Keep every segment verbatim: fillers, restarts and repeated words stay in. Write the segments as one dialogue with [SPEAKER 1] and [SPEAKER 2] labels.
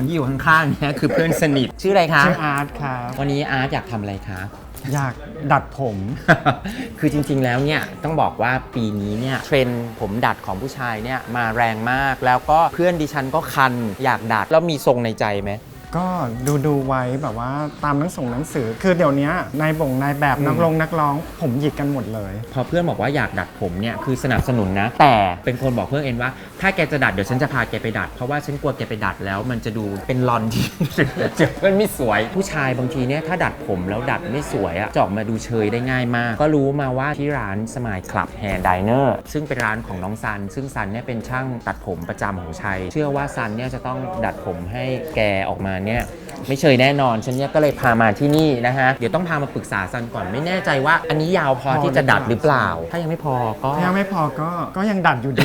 [SPEAKER 1] ที่อยู่ข้างๆเนี่ยคือเพื่อนสนิทชื่ออะไรคะ
[SPEAKER 2] ชื่ออาร์ตครับ
[SPEAKER 1] วันนี้อาร์ตอยากทำอะไรคะ
[SPEAKER 2] อยากดัดผม
[SPEAKER 1] คือจริงๆแล้วเนี่ยต้องบอกว่าปีนี้เนี่ยเทรนด์ผมดัดของผู้ชายเนี่ยมาแรงมากแล้วก็เพื่อนดิฉันก็คันอยากดัดแล้วมีทรงในใจไหม
[SPEAKER 2] ก็ดูดูไว้แบบว่าตามหนังส่งหนังสือ คือเดี๋ยวนี้นายบ่งนายแบบนักร้องนักร้องผมหยิกกันหมดเลย
[SPEAKER 1] พอเพื่อนบอกว่าอยากดัดผมเนี่ยคือสนับสนุนนะ แต่เป็นคนบอกเพื่อนเองว่าถ้าแกจะดัดเดี๋ยวฉันจะพาแกไปดัดเพราะว่าฉันกลัวแกไปดัดแล้วมันจะดูเป็นลอนที่ เจอเพื่อนไม่สวยผู้ชายบางทีเนี่ยถ้าดัดผมแล้วดัดไม่สวยอะจะออกมาดูเชยได้ง่ายมากก็รู้มาว่าที่ร้านสมายคลับแฮร์ไดเนอร์ซึ่งเป็นร้านของน้องซันซึ่งซันเนี่ยเป็นช่างตัดผมประจำของชัยเชื่อว่าซันเนี่ยจะต้องดัดผมให้แกออกมาเนี่ยไม่เชยแน่นอนฉันเนี่ยก็เลยพามาที่นี่นะฮะเดี๋ยวต้องพามาปรึกษาซันก่อนไม่แน่ใจว่าอันนี้ยาวพอที่จะดัดหรือเปล่าถ้ายังไม่พอก็
[SPEAKER 2] ถ้ายังไม่พอก็ก็ยังดัดอยู่ดี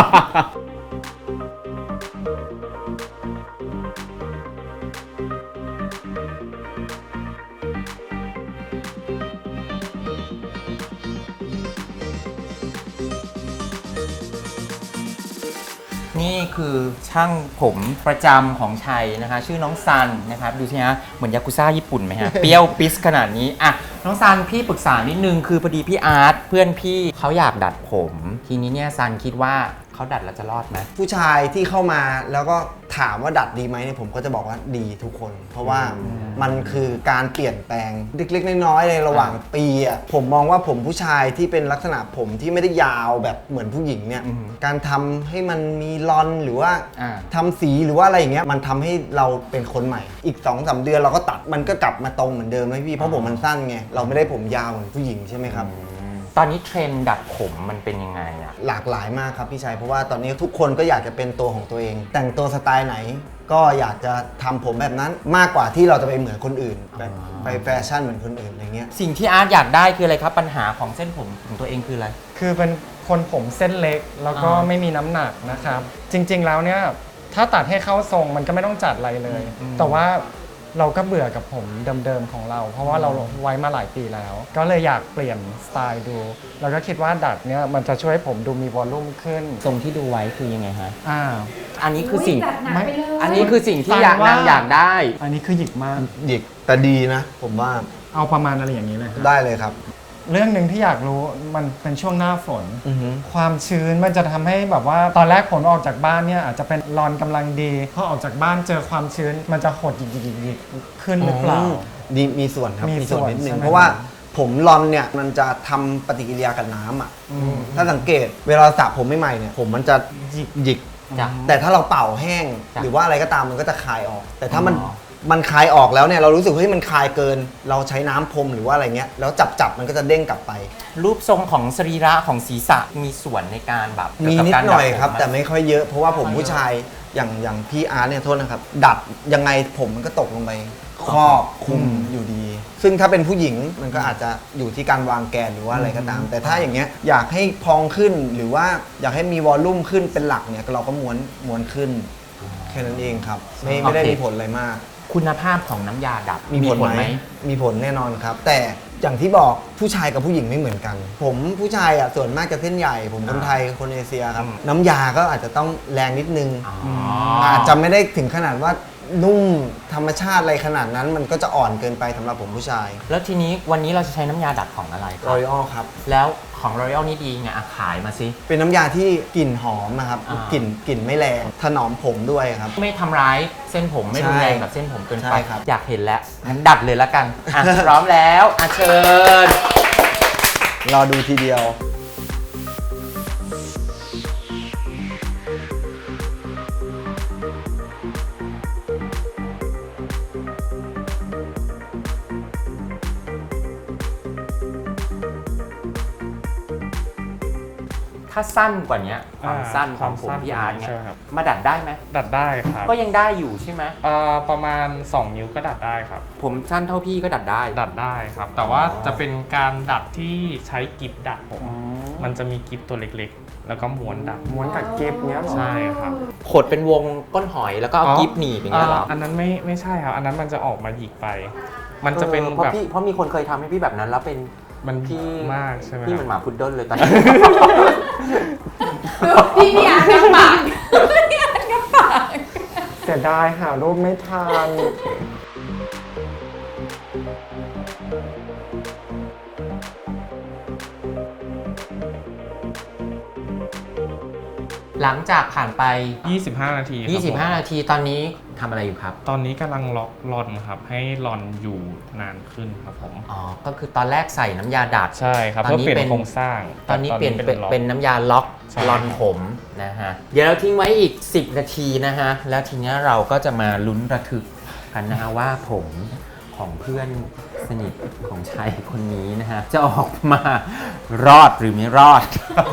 [SPEAKER 1] นี่คือช่างผมประจำของชัยนะคะชื่อน้องซันนะครับดูสิฮะเหมือนยากุซ่าญี่ปุ่นไหมฮะ เปรี้ยวปิสขนาดนี้อ่ะน้องซันพี่ปรึกษานิดนึงคือพอดีพี่อาร์ตเพื่อนพี่เขาอยากดัดผม ทีนี้เนี่ยซันคิดว่าเขาดัดแล้วจะรอดไหม
[SPEAKER 3] ผู้ชายที่เข้ามาแล้วก็ถามว่าดัดดีไหมเนี่ยผมก็จะบอกว่าดีทุกคน เพราะว่ามันคือการเปลี่ยนแปลงเล็กๆน้อยๆในระหว่างปีอ่ะผมมองว่าผมผู้ชายที่เป็นลักษณะผมที่ไม่ได้ยาวแบบเหมือนผู้หญิงเนี่ยการทำให้มันมีลอนหรือว่าทำสีหรือว่าอะไรอย่างเงี้ยมันทำให้เราเป็นคนใหม่อีก สองสาม เดือนเราก็ตัดมันก็กลับมาตรงเหมือนเดิมเลยพี่เพราะผมมันสั้นไงเราไม่ได้ผมยาวเหมือนผู้หญิงใช่ไหมครับ
[SPEAKER 1] ตอนนี้เทรนด์ดัดผมมันเป็นยังไงอะ
[SPEAKER 3] หลากหลายมากครับพี่ชัยเพราะว่าตอนนี้ทุกคนก็อยากจะเป็นตัวของตัวเอง แต่งตัวสไตล์ไหนก็อยากจะทำผมแบบนั้นมากกว่าที่เราจะไปเหมือนคนอื่นแบบไปแฟชั่นเหมือนคนอื่นอะไรเงี้ย
[SPEAKER 1] สิ่งที่อาร์ตอยากได้คืออะไรครับปัญหาของเส้นผมของตัวเองคืออะไร
[SPEAKER 2] คือเป็นคนผมเส้นเล็กแล้วก็ไม่มีน้ำหนักนะครับจริงๆแล้วเนี่ยถ้าตัดให้เข้าทรงมันก็ไม่ต้องจัดอะไรเลยแต่ว่าเราก็เบื่อกับผมเดิมๆของเราเพราะว่าเราไว้มาหลายปีแล้วก็เลยอยากเปลี่ยนสไตล์ดูแล้วก็คิดว่าดัดเนี่ยมันจะช่วยให้ผมดูมีวอลลุ่มขึ้น
[SPEAKER 1] ทรงที่ดูไว้คือยังไงฮะ
[SPEAKER 2] อ่า
[SPEAKER 1] อันนี้คือสิ่ง
[SPEAKER 4] ไม่
[SPEAKER 1] อันนี้คือสิ่งที่อยากนางอยากได้
[SPEAKER 2] อันนี้คือหยิกมาก
[SPEAKER 3] หยิกแต่ดีนะผมว่า
[SPEAKER 2] เอาประมาณอะไรอย่างนี้เลย
[SPEAKER 3] ได้เลยครับ
[SPEAKER 2] เรื่องหนึ่งที่อยากรู้มันเป็นช่วงหน้าฝนความชื้นมันจะทำให้แบบว่าตอนแรกผมออกจากบ้านเนี่ยอาจจะเป็นรอนกำลังดีพอออกจากบ้านเจอความชื้นมันจะหดหยิกๆๆขึ้นหรือเปล่า
[SPEAKER 3] มีมีส่วนครับ
[SPEAKER 2] มีส่วน
[SPEAKER 3] นิดนึงเพราะว่าผมรอนเนี่ยมันจะทำปฏิกิริยากับน้ำอ่ะถ้าสังเกตเวลาสระผมใหม่ๆเนี่ยผมมันจะหยิกหยิกแต่ถ้าเราเป่าแห้งหรือว่าอะไรก็ตามมันก็จะคายออกแต่ถ้ามันมันคลายออกแล้วเนี่ยเรารู้สึกเฮ้ยมันคลายเกินเราใช้น้ำพรมหรือว่าอะไรเงี้ยแล้วจับจับมันก็จะเด้งกลับไป
[SPEAKER 1] รูปทรงของสรีระของศีรษะมีส่วนในการแบบ
[SPEAKER 3] มีนิดหน่อยครับแต่ไม่ค่อยเยอะเพราะว่าผมผู้ชายอย่างอย่างพี่อาร์ตเนี่ยโทษนะครับดัดยังไงผมมันก็ตกลงไปครอบคุมอยู่ดีซึ่งถ้าเป็นผู้หญิงมันก็อาจจะอยู่ที่การวางแกนหรือว่าอะไรก็ตามแต่ถ้าอย่างเงี้ยอยากให้พองขึ้นหรือว่าอยากให้มีวอลลุ่มขึ้นเป็นหลักเนี่ยเราก็ม้วนม้วนขึ้นแค่นั้นเองครับไม่ไม่ได้มีผลอะไรมาก
[SPEAKER 1] คุณภาพของน้ำยาดัด
[SPEAKER 3] มีผลไหมมีผลแน่นอนครับแต่อย่างที่บอกผู้ชายกับผู้หญิงไม่เหมือนกันผมผู้ชายอ่ะส่วนมากจะเส้นใหญ่ผมคนไทยคนเอเชียครับน้ำยาก็อาจจะต้องแรงนิดนึงอาจจะไม่ได้ถึงขนาดว่านุ่มธรรมชาติอะไรขนาดนั้นมันก็จะอ่อนเกินไปสำหรับผมผู้ชาย
[SPEAKER 1] แล้วทีนี้วันนี้เราจะใช้น้ำยาดัดของอะไรครับ
[SPEAKER 3] L'Oreal ครับ
[SPEAKER 1] แล้วของ L'Oreal นี่ดีไงขายมาสิ
[SPEAKER 3] เป็นน้ำยาที่กลิ่นหอมนะครับกลิ่นกลิ่นไม่แรงถนอมผมด้วยครับ
[SPEAKER 1] ไม่ทำร้ายเส้นผมไม่รุนแรงกับเส้นผมเกินไปอยากเห็นแล้วงั้นดัดเลยละกันอ่ะพร้อมแล้วอ่ะเชิญ
[SPEAKER 3] รอดูทีเดียว
[SPEAKER 1] ถ้าสั้นกว่านี้ความสั้นของผมพี่อาร์ตเนี่ยมาดัดได้ไหม
[SPEAKER 2] ดัดได้ครับ
[SPEAKER 1] ก็ยังได้อยู่ใช่ไหม
[SPEAKER 2] ประมาณสองนิ้วก็ดัดได้ครับ
[SPEAKER 1] ผมสั้นเท่าพี่ก็ดัดได้
[SPEAKER 2] ดัดได้ครับแต่ว่าจะเป็นการดัดที่ใช้กิฟดัดผมมันจะมีกิฟตัวเล็กๆแล้วก็ม้วนดัดม้วนกับกิฟเนี้ยใช่ครับ
[SPEAKER 1] ขดเป็นวงก้นหอยแล้วก็เอากิฟหนีบอย่างเงี้ยหรอ
[SPEAKER 2] อันนั้นไม่ไม่ใช่ครับอันนั้นมันจะออกมาหยิกไปมันจะเป็น
[SPEAKER 1] แบบเพราะมีคนเคยทำให้พี่แบบนั้นแล้วเป็น
[SPEAKER 2] มันพี่มากใช่ไหม
[SPEAKER 1] พี่มันหมาพุดเดิ้ลเลยตอนนี้
[SPEAKER 4] พี่พี่อาร์ตกับปากพี่อาร์ตกับปาก
[SPEAKER 2] เสียดายหารูปไม่ทัน
[SPEAKER 1] หลังจากผ่านไป
[SPEAKER 4] ยี่สิบห้า นาทีครับผม
[SPEAKER 1] ยี่สิบห้า นาทีตอนนี้ทำอะไรอยู่ครับ
[SPEAKER 4] ตอนนี้กำลังล็อกลอนครับ ให้ลอนอยู่นานขึ้นครับผม
[SPEAKER 1] อ๋อ ก็คือตอนแรกใส่น้ำยาดัด
[SPEAKER 4] ใช่ครับ
[SPEAKER 1] ตอน
[SPEAKER 4] เพื่อ
[SPEAKER 1] นี้
[SPEAKER 4] เปลี่ย
[SPEAKER 1] เป็น
[SPEAKER 4] นโครงสร้าง
[SPEAKER 1] ตอนนี้เปลี่ยนเป็น
[SPEAKER 4] ล็อก
[SPEAKER 1] เป็นน้ำยาล็อก
[SPEAKER 4] ใช่
[SPEAKER 1] ลอนผมนะฮะ เดี๋ยวเราทิ้งไว้อีก สิบ นาทีนะฮะ แล้วทีนี้เราก็จะมาลุ้นระทึกกันนะฮะว่าผมของเพื่อนสนิทของชายคนนี้นะฮะ จะออกมารอดหรือไม่รอด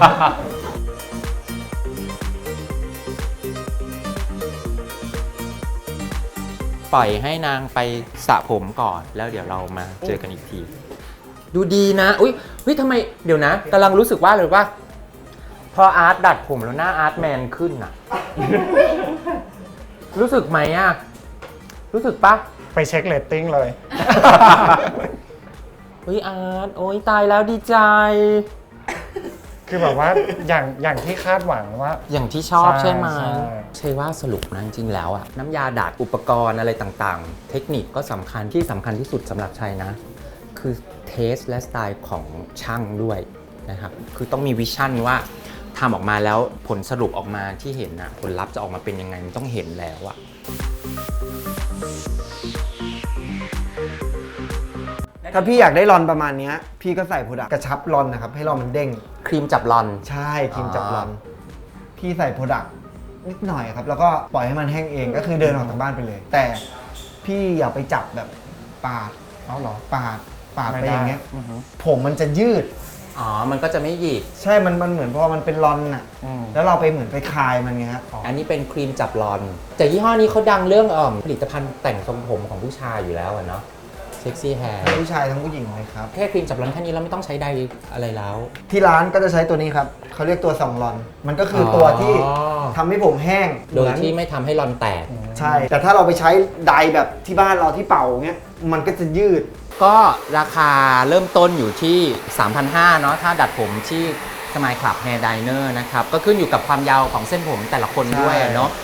[SPEAKER 1] ปล่อยให้นางไปสระผมก่อน แล้วเดี๋ยวเรามาเจอกันอีกที ดูดีนะ อุ้ยเฮ้ยทำไมเดี๋ยวนะกำลังรู้สึกว่าเลยว่า พออาร์ตดัดผมแล้วหน้าอาร์ตแมนขึ้นอะ รู้สึกไหมอะรู้สึกปะ
[SPEAKER 2] ไปเช็คเรตติ้งเลย
[SPEAKER 1] เฮ้ยอาร์ตโอ้ยตายแล้วดีใจ
[SPEAKER 2] คือแบบว่าอย่างอย่างที่คาดหวังว่า
[SPEAKER 1] อย่างที่ชอบ
[SPEAKER 2] ใช่
[SPEAKER 1] ใช่ไหม
[SPEAKER 2] ใช่
[SPEAKER 1] ใช่ว่าสรุปนะจริงๆแล้วอะน้ำยาดัดอุปกรณ์อะไรต่างๆ เทคนิคก็สำคัญที่สำคัญที่สุดสำหรับชัยนะ คือเทสและสไตล์ของช่างด้วยนะครับ คือต้องมีวิชั่นว่าทำออกมาแล้วผลสรุปออกมาที่เห็นนะผลลัพธ์จะออกมาเป็นยังไงมันต้องเห็นแล้วอะ
[SPEAKER 3] ถ้าพี่อยากได้รอนประมาณเนี้ยพี่ก็ใส่โปรดักต์กระชับรอนนะครับ ให้รอนมันเด้ง
[SPEAKER 1] ครีมจับรอน
[SPEAKER 3] ใช่ครีมจับรอน
[SPEAKER 1] อ่
[SPEAKER 3] พี่ใส่โปรดักต์นิดหน่อยครับ แล้วก็ปล่อยให้มันแห้งเองก็คือเดินออกจากบ้านไปเลย แต่พี่อย่าไปจับแบบปาด
[SPEAKER 2] เอาเหรอ
[SPEAKER 3] ปาดปาด
[SPEAKER 2] ไม่
[SPEAKER 3] ไป
[SPEAKER 2] ได้
[SPEAKER 3] อย่างเงี้ย
[SPEAKER 2] อือฮึ
[SPEAKER 3] ผมมันจะยืด
[SPEAKER 1] อ๋อ มันก็จะไม่หยิก
[SPEAKER 3] ใช่มันมันเหมือนพอมันเป็นรอนน่ะ
[SPEAKER 2] อืม
[SPEAKER 3] แล้วเราไปเหมือนไปคลายมันไงฮะ
[SPEAKER 1] อันนี้เป็นครีมจับรอน แต่ยี่ห้อนี้เขาดังเรื่องเอ่อผลิตภัณฑ์แต่งทรงผมของผู้ชายอยู่แล้วอะเนาะเซ็กซี่แฮร์
[SPEAKER 3] ทั้งผู้ชายทั้งผู้หญิงเลยครับ
[SPEAKER 1] แค่ครีมจับรอนแค่นี้เราไม่ต้องใช้ใดอะไรแล้ว
[SPEAKER 3] ที่ร้านก็จะใช้ตัวนี้ครับเขาเรียกตัวสองรอน มันก็คือตัวที่
[SPEAKER 1] อ๋อ
[SPEAKER 3] ทำให้ผมแห้ง
[SPEAKER 1] โดยที่ไม่ทำให้รอนแตก
[SPEAKER 3] ใช่ แต่ถ้าเราไปใช้ไดร์แบบที่บ้านเราที่เป่าเงี้ยมันก็จะยืด
[SPEAKER 1] ก็ราคาเริ่มต้นอยู่ที่ สามพันห้าร้อย เนาะถ้าดัดผมที่สมายคลับแฮร์ไดเนอร์นะครับ ก็ขึ้นอยู่กับความยาวของเส้นผมแต่ละคนด้วยอะเนาะ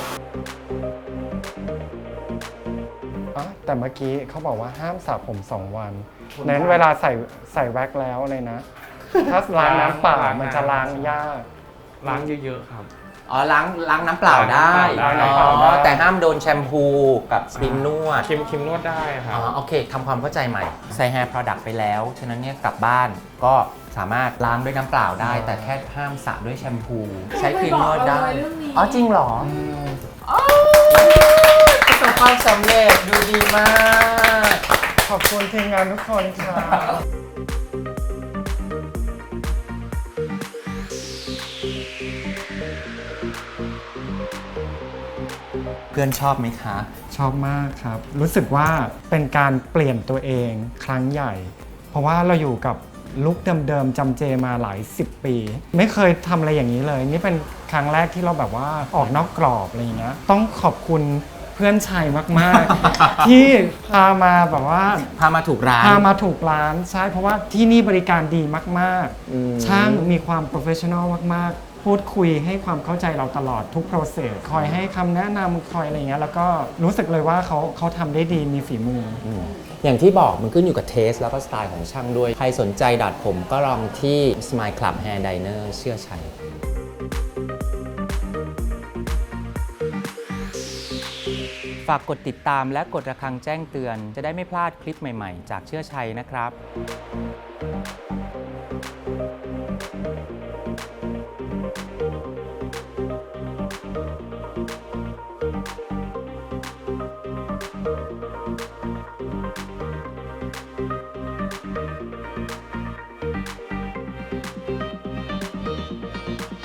[SPEAKER 2] อ๋อแต่เมื่อกี้เขาบอกว่าห้ามสระผมสองวันนั้นเวลาใส่ใส่แว็กแล้วเลยนะ ถ้าล้างน้ำเปล่ามันจะล้างยาก
[SPEAKER 4] ล้างเยอะๆครับ
[SPEAKER 1] อ๋อล้างล้างน้ำเปล่าได้
[SPEAKER 4] ล้าง
[SPEAKER 1] อ๋
[SPEAKER 4] น้ำเปล่าได้
[SPEAKER 1] อแต่ห้ามโดนแชมพูกับครีมนวด
[SPEAKER 4] คิมคิมนวดได้ครั
[SPEAKER 1] อ๋
[SPEAKER 4] บ
[SPEAKER 1] อโอเคทำความเข้าใจใหม่ใส่ Hair Product ไปแล้ว ฉะนั้นเนี่ยกลับบ้านก็สามารถล้างด้วยน้ำเปล่าได้ แต่แค่ห้ามสระด้วยแชมพู ใช้ครีมนวดได้
[SPEAKER 5] ไม่บอกเราเลยเรื่องนี้
[SPEAKER 1] อ๋อจริงเหรอประสบความสำเร็จดูดีมาก
[SPEAKER 2] ขอบคุณทีมงานทุกคนค่ะ
[SPEAKER 1] เพื่อนชอบไหมคะ
[SPEAKER 2] ชอบมากครับ รู้สึกว่าเป็นการเปลี่ยนตัวเองครั้งใหญ่ เพราะว่าเราอยู่กับลุคเดิมๆจำเจมาหลายสิบปี ไม่เคยทำอะไรอย่างนี้เลย นี่เป็นครั้งแรกที่เราแบบว่าออกนอกกรอบอะไรอย่างเงี้ยต้องขอบคุณเพื่อนชัยมากๆ ที่พามาแบบว่า
[SPEAKER 1] พามาถูกร้าน
[SPEAKER 2] พามาถูกร้านใช่เพราะว่าที่นี่บริการดีมาก
[SPEAKER 3] อืม
[SPEAKER 2] ๆ ช่างมีความโปรเฟชชั่นอลมากๆ พูดคุยให้ความเข้าใจเราตลอดทุกโปรเซสคอยให้คำแนะนำคอยอะไรเงี้ยแล้วก็รู้สึกเลยว่าเขาเขาทำได้ดีมีฝีมืออ
[SPEAKER 1] อย่างที่บอกมันขึ้นอยู่กับเทสแล้วก็สไตล์ของช่างด้วย ใครสนใจดัดผมก็ลองที่ Smile Club Hair Diner เชื่อชัย ฝากกดติดตามและกดระฆังแจ้งเตือน จะได้ไม่พลาดคลิปใหม่ๆ จากเชื่อชัยนะครับ